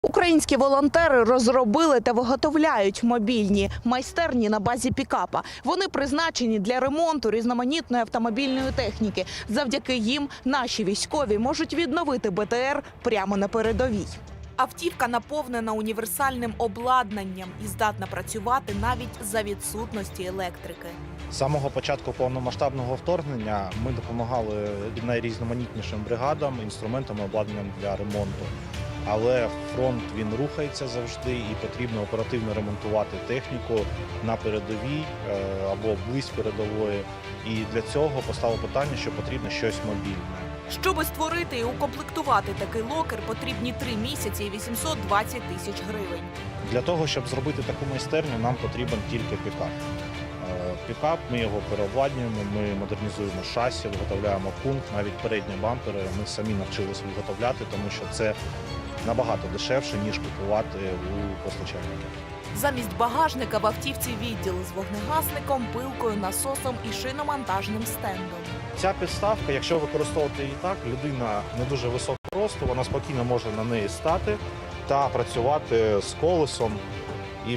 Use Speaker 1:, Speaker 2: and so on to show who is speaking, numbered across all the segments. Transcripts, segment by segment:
Speaker 1: Українські волонтери розробили та виготовляють мобільні майстерні на базі пікапа. Вони призначені для ремонту різноманітної автомобільної техніки. Завдяки їм наші військові можуть відновити БТР прямо на передовій. Автівка наповнена універсальним обладнанням і здатна працювати навіть за відсутності електрики.
Speaker 2: З самого початку повномасштабного вторгнення ми допомагали найрізноманітнішим бригадам, інструментам і обладнанням для ремонту. Але фронт, він рухається завжди і потрібно оперативно ремонтувати техніку на передовій або близь передової. І для цього постало питання, що потрібно щось мобільне.
Speaker 1: Щоби створити і укомплектувати такий локер, потрібні 3 місяці і 820 тисяч гривень.
Speaker 2: Для того, щоб зробити таку майстерню, нам потрібен тільки пікап. Пікап, ми його переобладнюємо, ми модернізуємо шасі, виготовляємо пункт, навіть передні бампери ми самі навчилися виготовляти, тому що це набагато дешевше, ніж купувати у постачальників.
Speaker 1: Замість багажника в автівці відділ з вогнегасником, пилкою, насосом і шиномонтажним стендом.
Speaker 2: Ця підставка, якщо використовувати її так, людина не дуже високого росту, вона спокійно може на неї стати та працювати з колесом і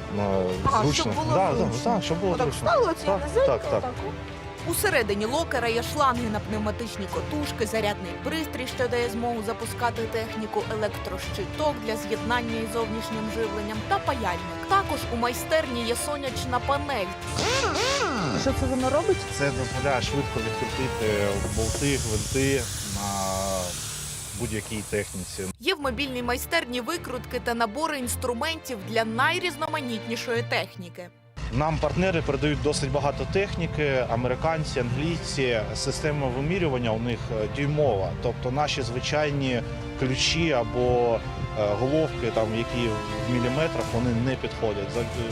Speaker 2: зручно. Щоб було зручно. Так.
Speaker 1: Усередині локера є шланги на пневматичні котушки, зарядний пристрій, що дає змогу запускати техніку, електрощиток для з'єднання із зовнішнім живленням та паяльник. Також у майстерні є сонячна панель. Що це воно робить?
Speaker 2: Це дозволяє швидко відкрутити болти, гвинти на будь-якій техніці.
Speaker 1: Є в мобільній майстерні викрутки та набори інструментів для найрізноманітнішої техніки.
Speaker 2: Нам партнери передають досить багато техніки, американці, англійці. Система вимірювання у них дюймова, тобто наші звичайні ключі або головки, там, які в міліметрах, вони не підходять.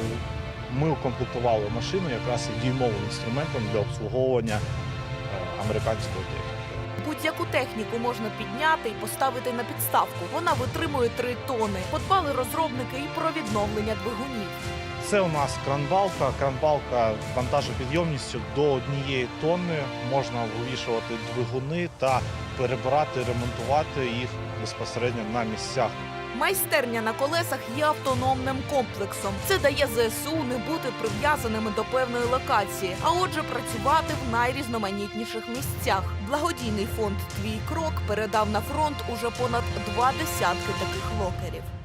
Speaker 2: Ми укомплектували машину якраз дюймовим інструментом для обслуговування американської техніки.
Speaker 1: Будь-яку техніку можна підняти і поставити на підставку. Вона витримує 3 тони. Подбали розробники і про відновлення двигунів.
Speaker 2: Це у нас кранбалка вантажопідйомністю до 1 тонни. Можна вивішувати двигуни та перебирати, ремонтувати їх безпосередньо на місцях.
Speaker 1: Майстерня на колесах є автономним комплексом. Це дає ЗСУ не бути прив'язаними до певної локації, а отже працювати в найрізноманітніших місцях. Благодійний фонд «Твій крок» передав на фронт уже понад 2 десятки таких локерів.